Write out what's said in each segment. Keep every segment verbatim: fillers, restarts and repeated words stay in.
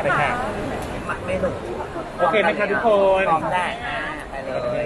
คะไม่หนุกโอเคไหมคะทุกคนพร้อมได้ไปเลย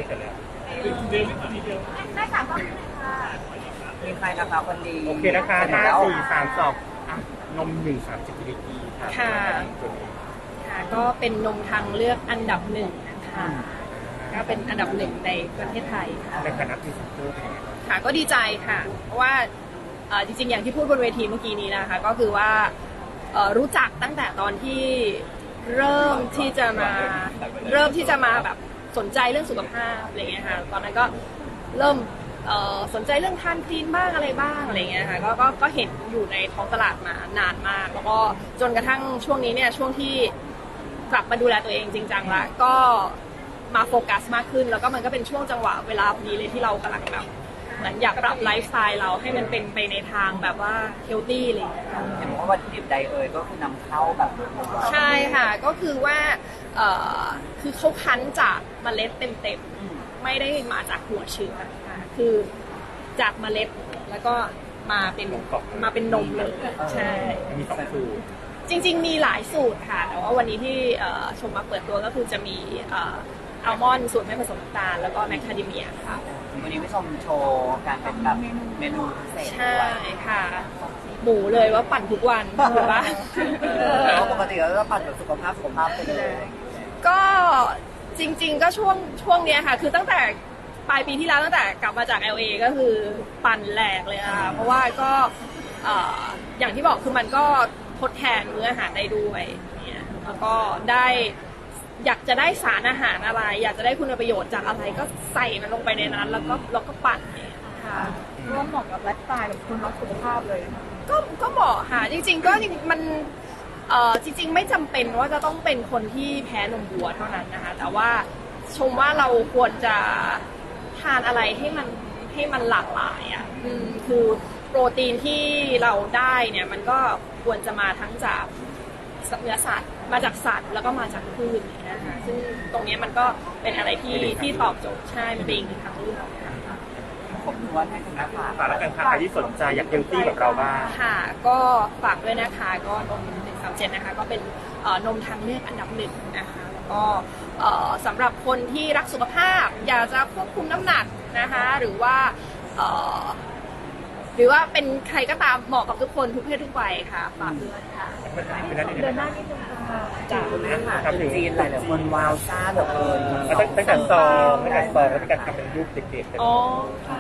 ได้สามรอบค่ะมีใครนะคะคนดีโอเคนะคะห้าสี่สามสองนมหนึ่งสามสิบมิลลิลิตรค่ะค่ะค่ะก็เป็นนมทางเลือกอันดับหนึ่งนะคะก็เป็นอันดับหนึ่งในประเทศไทยค่ะในฐานะพรีเซนเตอร์เป็นไงค่ะก็ดีใจค่ะเพราะว่าเอ่อจริงๆอย่างที่พูดบนเวทีเมื่อกี้นี้นะคะก็คือว่าเอ่อรู้จักตั้งแต่ตอนที่เริ่มที่จะมาเริ่มที่จะมาแบบสนใจเรื่องสุขภาพอะไรเงี้ยค่ะตอนนั้นก็เริ่มเอ่อสนใจเรื่องทานคลีนบ้างอะไรบ้างอะไรเงี้ยค่ะก็ก็ก็เห็นอยู่ในท้องตลาดมานานมากแล้วก็จนกระทั่งช่วงนี้เนี่ยช่วงที่กลับมาดูแลตัวเองจริงจังละก็มาโฟกัสมากขึ้นแล้วก็มันก็เป็นช่วงจังหวะเวลาพอดีเลยที่เรากำลังแบบเหมือนอยากปรับไลฟ์สไตล์เราให้มันเป็นไปในทางแบบว่าเฮลตี้เลยเห็นว่าวัตถุดิบใดเอ่ยก็คือนำเข้าแบบใช่ค่ะก็คือว่าเอ่อคือเขาคั้นจากเมล็ดเต็มๆไม่ได้มาจากหัวเชื้อค่ะคือจากเมล็ดแล้วก็มาเป็นมาเป็นนมเลยใช่มีสองสูตรจริงๆมีหลายสูตรค่ะแต่ว่าวันนี้ที่เอ่อชมมาเปิดตัวก็คือจะมีเอ่ออัลมอนด์สูตรไม่ผสมน้ำตาลแล้วก็แมคคาเดเมียค่ะวันนี้พี่ชมโชว์การเป็นแบบเมนูพิเศษใช่ด้วยค่ะหมูเลยว่าปั่นทุกวันถูกปะแต่ว่าปกติเราก็ปั่นแบบสุขภาพสุขภาพไปเลยก็จริงๆก็ช่วงช่วงเนี้ยค่ะคือตั้งแต่ปลายปีที่แล้วตั้งแต่กลับมาจาก แอล เอ ก็คือปั่นแหลกเลยค่ะเพราะว่าก็เอ่ออย่างที่บอกคือมันก็ทดแทนมื้ออาหารได้ด้วยเนี่ยแล้วก็ได้อยากจะได้สารอาหารอะไร อยากจะได้คุณประโยชน์จากอะไรก็ใส่มันลงไปในนั้นแล้วก็แล้วก็ปั่นเนี่ยค่ะร่วมเหมาะกับไลฟ์สไตล์แบบคนรักสุขภาพเลยก็ก็เหมาะค่ะจริงๆก็จริงๆมันเอ่อจริงๆไม่จำเป็นว่าจะต้องเป็นคนที่แพ้นมวัวเท่านั้นนะคะแต่ว่าชมว่าเราควรจะทานอะไรให้มันให้มันหลากหลายอ่ะอืมคือโปรตีนที่เราได้เนี่ยมันก็ควรจะมาทั้งจากเนื้อสัตว์มาจากสัตว์แล้วก็มาจากพืชนะคะซึ่งตรงนี้มันก็เป็นอะไรที่ที่ตอบโจทย์ใช่มันเป็นอีกหนึ่งทางเลือกค่ะผมนวดให้คุณแม่ฝากฝากแล้วกันค่ะใครที่สนใจอยากเฮลตี้แบบเราบ้างค่ะก็ฝากด้วยนะคะก็นมหนึ่งสามเจ็ดนะคะก็เป็นเอ่อนมทางเลือกอันดับหนึ่งนะคะแล้วก็เอ่อสำหรับคนที่รักสุขภาพอยากจะควบคุมน้ำหนักนะคะหรือว่าเอ่อหรือว่าเป็นใครก็ตามเหมาะกับทุกคนทุกเพศทุกวัยค่ะฝากด้วยค่ะเดินหน้านิดนึงค่ะจ้าคุณแม่ค่ะคนจีนหลายๆคนว้าวซ่าเหลือเกินตั้งตั้งแต่ซองตั้งแต่ซองแล้วมีการทำเป็นรูปเด็กๆกันอ๋อค่ะ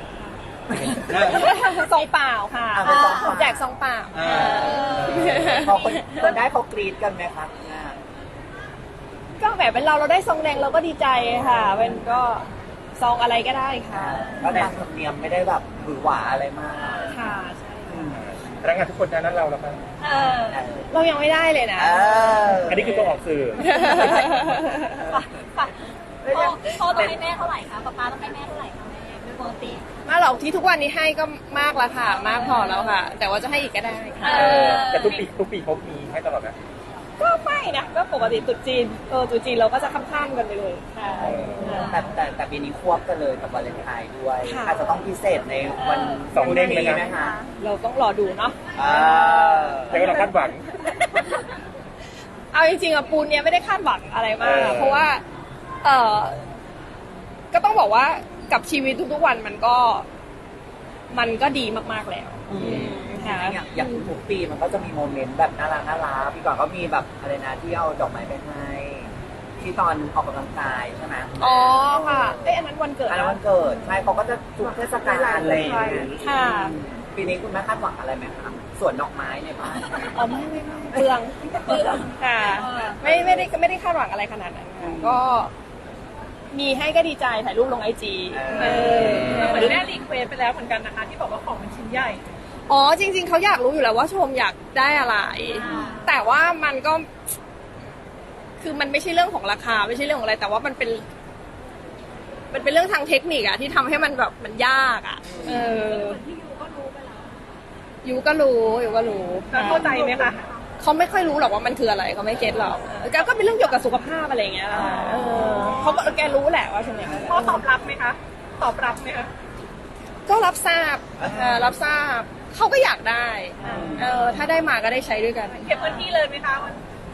ซองเปล่าค่ะแจกซองเปล่าพอคนคนได้เขากรี๊ดกันไหมคะก็แบบเป็นเราเราได้ซองแดงเราก็ดีใจค่ะเป็นก็ซองอะไรก็ได้ค่ะก็ตามธรรมเนียมไม่ได้แบบหวือหวาอะไรมากค่ะใช่พนักงานทุกคนนั้นเราแล้วกันเออเรายังไม่ได้เลยนะเอออันนี้คือตัวออกสื่อพ่อพ่อต้องให้แม่เท่าไหร่คะป๊าป๊าต้องให้แม่เท่าไหร่คะแม่โดยปกติมาหรอกที่ทุกวันนี้ให้ก็มากแล้วค่ะ มากพอแล้วค่ะ แต่ว่าจะให้อีกก็ได้ค่ะเออแต่ทุกปีทุกปีเขามีให้ตลอดนะก็ไม่นะก็ปกติตรุษจีนเออตรุษจีนเราก็จะข้ามๆกันไปเลยค่ะแต่แต่แต่ปีนี้ควบกันเลยกับวาเลนไทน์ด้วยค่ะอาจจะต้องพิเศษในวันสองเด้งเลยนะไหมคะเราต้องรอดูเนาะอ่าแต่ก็เราคาดหวังเอาจริงๆอะปูนเนี่ยไม่ได้คาดหวังอะไรมากเออเพราะว่าเออก็ต้องบอกว่ากับชีวิตทุกๆวันมันก็มันก็ดีมากๆแล้วค่ะอย่างอย่างทุกปีมันก็จะมีโมเมนต์แบบน่ารักน่ารักปีก่อนก็มีแบบอะไรนะที่เอาดอกไม้ไปให้ที่ตอนออกกำลังกายใช่ไหมอ๋อค่ะเอ้ยอันนั้นวันเกิดอันนั้นวันเกิดใช่เขาก็จะทุกเทศกาลอะไรอย่างเงี้ยค่ะปีนี้คุณแม่คาดหวังอะไรไหมคะส่วนดอกไม้ในบ้านอ๋อไม่ไม่ไม่เปลืองเปลืองค่ะไม่ไม่ได้ไม่ได้คาดหวังอะไรขนาดนั้นค่ะก็มีให้ก็ดีใจถ่ายรูปลงไอจีเออเหมือนแม่รีเควสไปแล้วเหมือนกันนะคะที่บอกว่าของมันชิ้นใหญ่อ๋อจริง ๆเขาอยากรู้อยู่แล้วว่าชมอยากได้อะไร แต่ว่ามันก็ คือมันไม่ใช่เรื่องของราคาไม่ใช่เรื่องของอะไร แต่ว่ามันเป็น มันเป็นเรื่องทางเทคนิคอะที่ทำให้มันแบบมันยากอะเออยูก็รู้ยูก็รู้แล้วเข้าใจไหมคะเขาไม่ค่อยรู้หรอกว่ามันคืออะไรเขาไม่เก็ตหรอกแกก็เป็นเรื่องเกี่ยวกับสุขภาพอะไรอย่างเงี้ยค่ะเออเขาก็แกรู้แหละว่าชมอยากได้พ่อตอบรับไหมคะ ตอบรับไหมคะก็รับทราบเออรับทราบเขาก็อยากได้เออถ้าได้มาก็ได้ใช้ด้วยกันเก็บพื้นที่เลยไหมคะมัน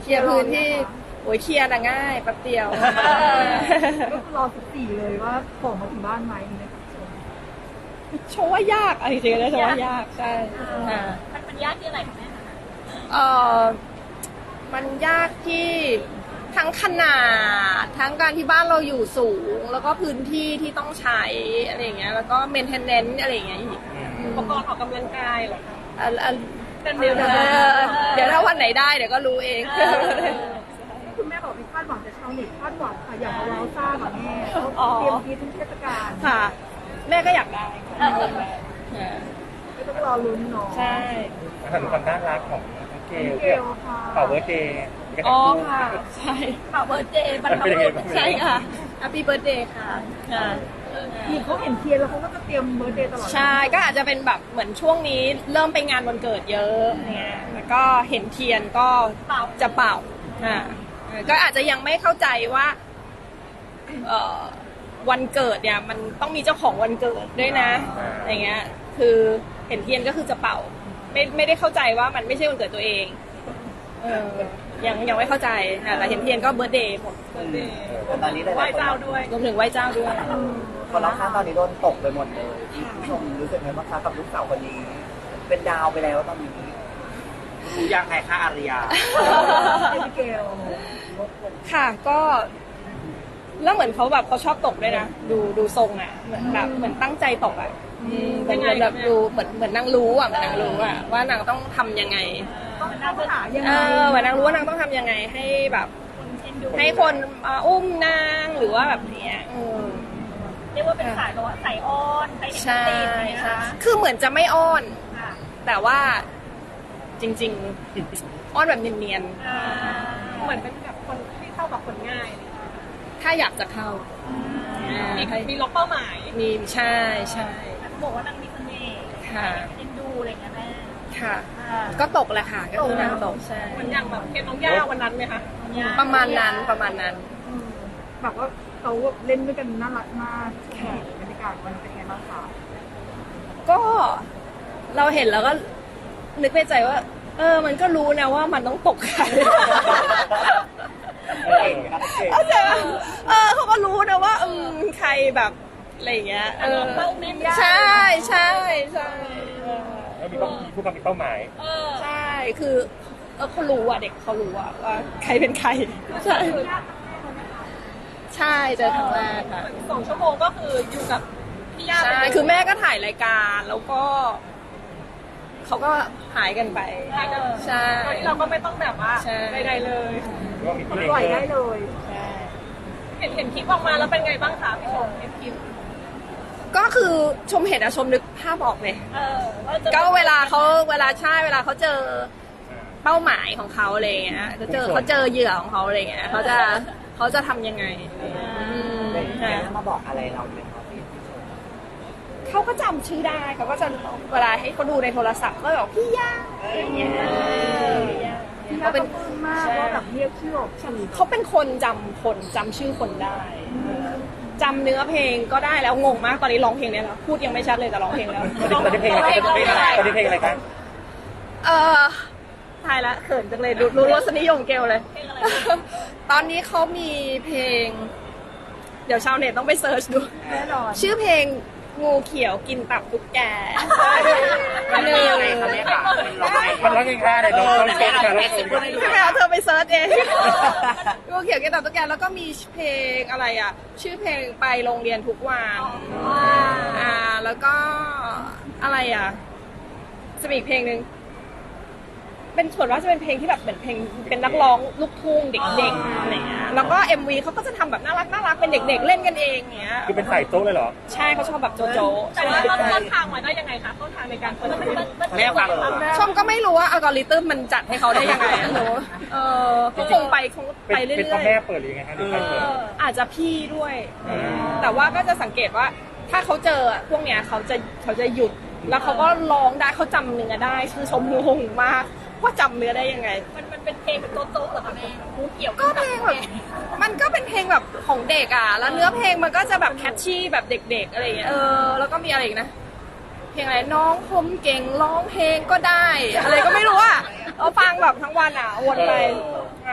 เคลียร์พื้นที่โอ้ยเคลียร์น่ะง่ายแป๊บเดียวก็รอสิบสี่เลยว่าของมาถึงบ้านไหมนะคะโชว์ว่ายากอะไรจริงๆนะโชว์ว่ายากใช่อ่ามันมันยากที่อะไรคะแม่เออมันยากที่ทั้งขนาดทั้งการที่บ้านเราอยู่สูง แล้วก็พื้นที่ที่ต้องใช้อะไรอย่างเงี้ยแล้วก็ maintenance อะไรอย่างเงี้ยอีกอุปกรณ์ออกกำลังกายเหรอคะอ่ะอ่ะเป็นเดียวเดี๋ยวเดี๋ยวถ้าวันไหนได้เดี๋ยวก็รู้เองคุณแม่บอกมีคาดหวังแต่ชาวเน็ตคาดหวังค่ะอยากมาว้าวซ่ากับแม่เขาเตรียมทีทุกเทศกาลค่ะ แม่ก็อยากได้ค่ะอ่าไม่ต้องรอลุ้นเนาะใช่ถึงความน่ารักของน้องเกลเกลค่ะเป่าเบิร์ดเดย์อ๋อค่ะใช่ข่าวเบิร์ดเดย์บรรพเป็นบุยังไงรุษบ้างใช่ค่ะ Happy Birthday ค่ะอ่ามีเขาเห็นเทียนแล้วเขาก็จะเตรียมเบอร์เดย์ตลอดใช่ก็อาจจะเป็นแบบเหมือนช่วงนี้เริ่มไปงานวันเกิดเยอะเนี่ยแล้วก็เห็นเทียนก็จะเป่าอ่าก็อาจจะยังไม่เข้าใจว่าเอ่อวันเกิดเนี่ยมันต้องมีเจ้าของวันเกิดด้วยนะอย่างเงี้ยคือเห็นเทียนก็คือจะเป่าไม่ไม่ได้เข้าใจว่ามันไม่ใช่วันเกิดตัวเองเออยังยังไม่เข้าใจอ่ะแต่เห็นเทียนก็เบิร์ธเดย์หมดแต่ตอนนี้หลายๆไหว้เจ้าด้วยรวมถึงไหว้เจ้าด้วยคนรอบข้างตอนนี้โดนตกไปหมดเลยผู้ชมรู้สึกไงบ้างคะกับลูกสาวคนนี้ เป็นดาวไปแล้วตอนนี้รู้ยังไงคะอาริยาเกลค่ะก็แล้วเหมือนเขาแบบเขาชอบตกด้วยนะดูดูทรงอ่ะเหมือนแบบเหมือนตั้งใจตกอ่ะอืมเหมือนเหมือนแบบดูเหมือนเหมือนนางรู้อ่ะเหมือนนางรู้อ่ะว่านางต้องทำยังไงต้องต้องหายังเอไงอเหมือนนางรู้ว่านางต้องทำยังไงให้แบบเช่นดูให้คนมาอุ้มนางหรือว่าแบบเนี้ยอืมเรียกว่าเป็นสายแบบว่าสายอ้อนสายเห็นใช่ตีนอย่างเงี้ยใช่นะคะคือเหมือนจะไม่อ้อนค่ะแต่ว่าจริง ๆ อ้อนแบบเนียนอ่าเหมือนเป็นแบบคนที่เข้ากับคนง่าย ถ้าอยากจะเข้ามีมีล็อกเป้าหมาย มีใช่ใช่เขาบอกว่านางมีเสน่ห์ค่ะเอ็นดูอะไรอย่างเงี้ยแม่ค่ะอ่าก็ตกแหละค่ะ ก็คือนางตกใช่เหมือนอย่างแบบเคสน้องย่าวันนั้นไหมคะประมาณนั้นประมาณนั้นแบบว่าเขาเล่นด้วยกันน่ารักมากบรรยากาศวันเป็นไงบ้างคะก็เราเห็นแล้วก็นึกในใจว่า เออ มันก็รู้นะว่ามันต้องตกใครเก่งนะเก่งเข้าใจปะเออเขาก็รู้นะว่าอืมใครแบบอะไรอย่างเงี้ยเออเป้าแม่นใช่ใช่ใช่เออแล้วมีเป้ามีผู้กำกับมีเป้าหมายเออใช่คือเออเขารู้อ่ะเด็กเขารู้อ่ะว่าใครเป็นใครใช่ใช่เจอครั้งแรกค่ะสองชั่วโมงก็คืออยู่กับพี่ย่าใช่คือแม่ก็ถ่ายรายการแล้วก็เขาก็หายกันไปใช่โดยที่เราก็ไม่ต้องแบบว่าใช่ใดๆเลยหรือว่ามีเพลงปล่อยเพิ่ได้มเลยใช่เห็นเห็นคลิปออกมาแล้วเป็นไงบ้างคะพี่ชมเห็นคลิปก็คือชมเห็นอะชมนึกภาพออกเลยเออว่าจะก็เวลาเขาเวลาใช่เวลาเขาเจอเป้าหมายของเขาอะไรอย่างเงี้ยจะเจอเขาเจอเหยื่อของเขาอะไรอย่างเงี้ยเขาจะเขาจะทำยังไงอืมเด็กค่ะมาบอกอะไรเราไหมครับพี่ผู้ชมเขาก็จำชื่อได้เขาก็จะเวลาให้เขาดูในโทรศัพท์ก็บอกพี่ย่าอะไรอย่างเงี้ยที่เขาน่าเป็เป็น นปลื้มมากว่าแบบเรียกชื่อออกสื่อเขาเป็นคนจำคนจำชื่อคนได้จำเนื้อเพลงก็ได้แล้วงงมากตอนนี้ร้องเพลงได้แล้วพูดยังไม่ชัดเลยแต่ร้องเพลงแล้วตอนนี้เพลงอะไรตอนนี้เพลงอะไรตอนนี้เพลงอะไรกันเออทายละเขินจังเลยรู้รู้รสนิยมเกลเลย ตอนนี้เขามีเพลง เดี๋ยวชาวเน็ตต้องไปเซิร์ชดูแน่นอนชื่อเพลงงูเขียวกินตับตุ๊กแกมันเป็นยังไงคะแม่คะมันร้องยังไงคะเดี๋ยวเราเราเช็คค่ะเราเช็คค่ะพี่แมวเธอไปเซิร์ชเอง งูเขียวกินตับตุ๊กแกแล้วก็มีเพลงอะไรอ่ะ ชื่อเพลงไปโรงเรียนทุกวันอ่าแล้วก็อะไรอ่ะจะมีอีกเพลงหนึ่งเป็นส่วนว่าจะเป็นเพลงที่แบบเหมือนเพลงเป็นนักร้องลูกทุ่งเด็กๆอะไรเงี้ยแล้วก็ เอ็ม วี เขาก็จะทำแบบน่ารักน่ารักเป็นเด็กๆเล่นกันเองเงี้ยคือเป็นสายโจ๊กเลยเหรอใช่เขาชอบแบบโจโจแต่ว่าต้นต้นทางมาได้ยังไงคะต้นทางในการเปิดแม่ฟังชมก็ไม่รู้ว่าอัลกอริทึมมันจัดให้เขาได้ยังไงอะหนูเออก็คงไปคงเป็นไปเรื่เป็นพ่ออยแม่เปิดหรือยังไงคะหรือใครเปิดๆอาจจะพี่ด้วย แต่ว่าก็จะสังเกตว่าถ้าเขาเจอพวกเนี้ยเขาจะเขาจะหยุดแล้วเขาก็ร้องได้เขาจำเนื้อได้คือชมงงมากว่าจำเนื้อได้ยังไงมันมันเป็นเพลงแบบโต๊ะๆเหรอคะแม่งูเกี่ยวก็เพลงแบบมันก็เป็นเพลงแบบของเด็กอ่ะแล้วเนื้อเพลงมันก็จะแบบแคชชี่แบบเด็กๆอะไรอย่างเงี้ยเออแล้วก็มีอะไรอีกนะเพลงอะไรน้องผมเก่งร้องเพลงก็ได้ อะไรก็ไม่รู้อ่ะเราฟังแบบทั้งวันอ่ะวนไปอ่า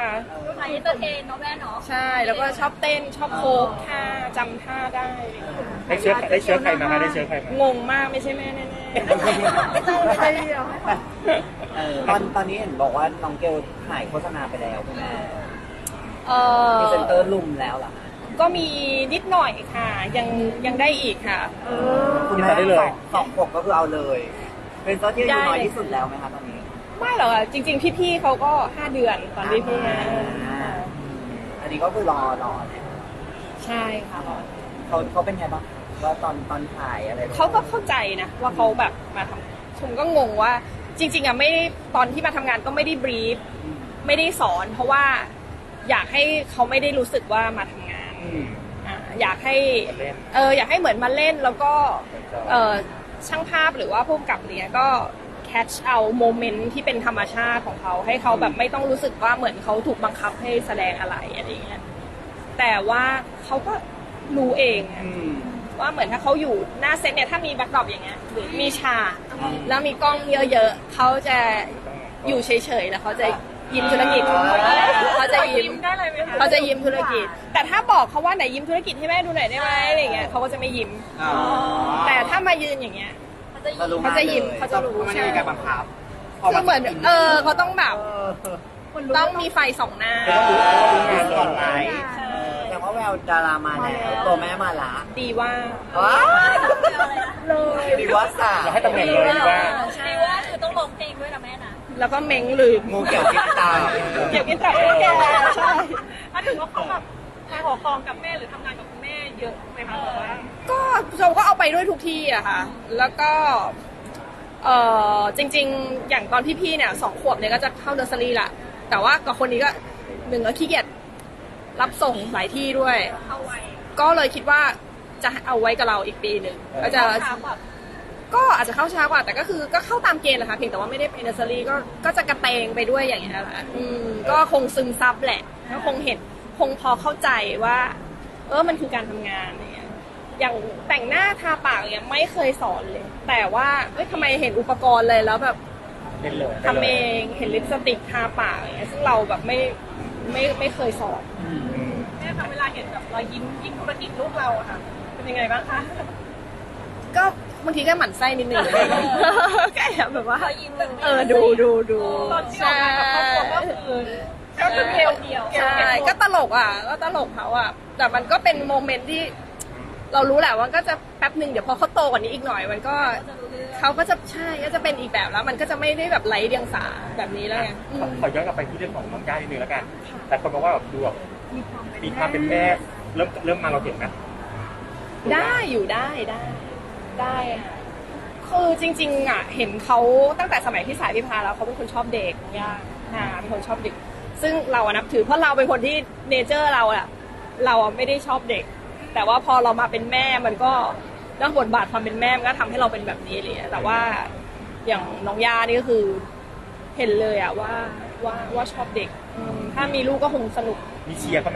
ค่ะสายเอนเตอร์เทนเนาะแม่เนาะใช่แล้วก็ชอบเต้นชอบโคกท่าจำท่าได้ได้เชื้อได้เชื้อใครมาคะได้เชื้อใครมางงมากไม่ใช่แม่แน่ไม่ใช่เดียวเออตอนตอนนี้เห็นบอกว่าน้องเกลถ่ายโฆษณาไปแล้วคุณแม่ๆเออพรีเซนเตอร์ลุมแล้วเหรอคะก็มีนิดหน่อยค่ะ ยังยังได้อีกค่ะคุณแม่สองสองขวบก็คือเอาเลย เป็นตัวที่อายุน้อยที่สุดแล้วไหมคะตอนนี้ไม่หรอกอะจริง ๆ พี่ๆเขาก็ห้าเดือนตอนที่พี่มาอ่าอันนี้ก็คือรอรอเนี่ยใช่ค่ะเขาเขาเป็นไงบ้างว่าตอนตอนถ่ายอะไรแบบเขาก็เข้าใจนะว่าเขาแบบมาทำชมก็งงว่า จริง ๆอะไม่ได้ตอนที่มาทำงานก็ไม่ได้บรีฟอืมไม่ได้สอน เพราะว่าอยากให้เขาไม่ได้รู้สึกว่ามาทำงานอืมอ่าอยากให้มาเล่นเอออยากให้เหมือนมาเล่นแล้วก็เออช่างภาพหรือว่าผู้กำกับเนี้ยก็แคชเอาโมเมนต์ที่เป็นธรรมชาติของเขาให้เขาแบบไม่ต้องรู้สึกว่าเหมือนเขาถูกบังคับให้แสดงอะไรอะไรเงี้ยแต่ว่าเขาก็รู้เองอะอืมว่าเหมือนถ้าเขาอยู่หน้าเซตเนี่ยถ้ามีแบ็คดรอปอย่างเงี้ยหรือมีฉากอืมแล้วมีกล้องเยอะๆเขาจะอยู่เฉยๆแล้วเขาจะยิ้มธุรกิจเขาจะยิ้มได้เลยไหมคะเขาจะยิ้มธุรกิจ แต่ถ้าบอกเขาว่าไหนยิ้มธุรกิจให้แม่ดูหน่อยได้ไหมอะไรเงี้ยเขาก็จะไม่ยิ้มอ๋อแต่ถ้ามายืนอย่างเงี้ยเขารู้เขาจะยิ้มลเขาจะรู้ไม่ได้มีการบังคับคือเหมือนเออเขาต้องแบบเออต้องมีไฟส่องหน้าต้องรู้ต้องรู้งานก่อนไลเลยฟ์แต่ว่าแววดารามาแล้วตัวแม่มาละดีว่าว้าวเลยดีว่าสาเราให้ตำแหน่งเลยดีว่าใช่ว่าคือต้องร้องเพลงด้วยนะแม่นะแล้วก็เม้งลืมงูเกี่ยวกินตาเกี่ยวกินตับด้วยแกใช่ถ้าถึงว่าเขาแบบมาขอครองกับแม่หรือทำงานกับคุณแม่เยอะไหมคะแบบว่าก็ชมก็เอาไปด้วยทุกที่อะค่ะ แล้วก็เออจริง ๆ อย่างตอนพี่ๆเนี่ยสองขวบเนี่ยก็จะเข้าเนอร์เซอรี่ละแต่ว่ากับคนนี้ก็หนึ่งก็ขี้เกียจรับส่งหลายที่ด้วยเข้าไว้ก็เลยคิดว่าจะเอาไว้กับเราอีกปีหนึ่งก็จะถามแบบก็อาจจะเข้าช้ากว่าแต่ก็คือก็เข้าตามเกณฑ์แหละค่ะเพียงแต่ว่าไม่ได้ไปเนอร์เซอรี่ก็ก็จะกระเตงไปด้วยอย่างเงี้ยแหละอืมก็คงซึมซับแหละก็คงเห็นคงพอเข้าใจว่า เออมันคือการทำงานอะไรเงี้ยอย่างแต่งหน้าทาปากเนี่ยไม่เคยสอนเลย แต่ว่าเอ้ยทำไมเห็นอุปกรณ์เลยแล้วแบบเล่นเลยทำเองเห็นลิปสติกทาปากอย่างเงี้ยซึ่งเราแบบไม่ไม่ไม่เคยสอนแม่คะเวลาเห็นแบบรอยยิ้มยิ้มธุรกิจลูกเราอะค่ะ เป็นยังไงบ้างคะก็บางทีก็หมั่นไส้นิดนึงก็แอบแบบว่าขอยิ้มแบบเออดูดูดูตอนที่ออกมากับครอบครัวก็คือก็คือเกลเดียวใช่ก็ตลกอ่ะก็ตลกเขาอ่ะแต่มันก็เป็นโมเมนต์ที่ เรารู้แหละว่าก็จะแป๊บหนึ่งเดี๋ยวพอเขาโตกว่านี้อีกหน่อยมันก็เขาก็จะใช่ก็จะเป็นอีกแบบแล้ว มันก็จะไม่ได้แบบไร้เดียงสาแบบนี้แล้วไงอืมขอย้อนกลับไปที่เรื่องของน้องย่านิดนึงแล้วกัน แต่คนบอกว่าแบบดูแบบมีความเป็นแม่เริ่มเริ่มมาเราเห็นไหมได้อยู่ได้ได้ได้ค่ะคือจริงๆอ่ะเห็นเขาตั้งแต่สมัยที่สายพิพาแล้วเขาเป็นคนชอบเด็กย่าค่ะเป็นคนชอบเด็ก ซึ่งเราอะนับถือเพราะเราเป็นคนที่เนเจอร์เราอะเราอะไม่ได้ชอบเด็ก แต่ว่าพอเรามาเป็นแม่มันก็เรื่องบทบาทความเป็นแม่มันก็ทำให้เราเป็นแบบนี้เลยแต่ว่าอย่างน้องย่านี่ก็คือเห็นเลยอะว่าว่าว่าชอบเด็กอืมถ้ามีลูกก็คงสนุกมีเชียร์เขาไหม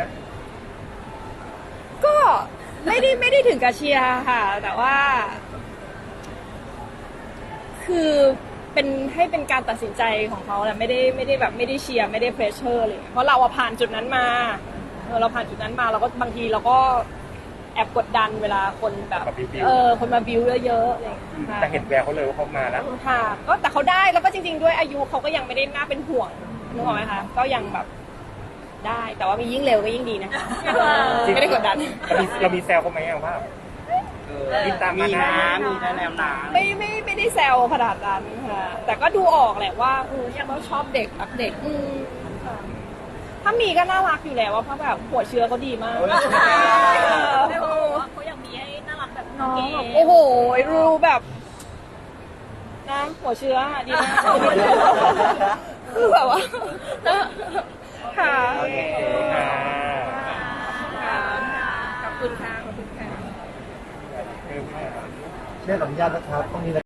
ก็ไม่ได้ไม่ได้ถึงกับเชียร์ค่ะ แต่ว่า คือเป็นให้เป็นการตัดสินใจของเขาแหละไม่ได้ไม่ได้แบบไม่ได้เชียร์ไม่ได้เพรสเชอร์เลยเพราะเราอะผ่านจุดนั้นมาเออเราผ่านจุดนั้นมาเราก็บางทีเราก็แอบกดดันเวลาคนแบบเออคนมาบิวเยอะๆอะไรอย่างเงี้ยค่ะแต่เห็นแววเขาเลยว่าเขามาแล้วค่ะก็แต่เขาได้แล้วก็จริง ๆ ด้วยอายุเขาก็ยังไม่ได้น่าเป็นห่วงนึกออกไหมคะก็ยังแบบได้แต่ว่ามียิ่งเร็วก็ยิ่งดีนะคะไม่ได้กดดันเรามีเรามีแซวเขาไหมอะว่ามีตามมานะมีแนะแนวนะไม่ไม่ไม่ได้แซวขนาดนั้นค่ะแต่ก็ดูออกแหละว่าเออเขาชอบเด็กรักเด็กอืมค่ะถ้ามีก็น่ารักอยู่แล้วว่าเพราะแบบหัวเชื้อเขาดีมากแม่บอกว่าเขาอยากมีให้น่ารักแบบน้องเก๋โอ้โหรู้แบบนะหัวเชื้อดีมากคือแบบว่าค่ะโอเคอ่าค่ะขอบคุณค่ะขอบคุณค่ะเออเรียกอนุญาตนะครับต้องมี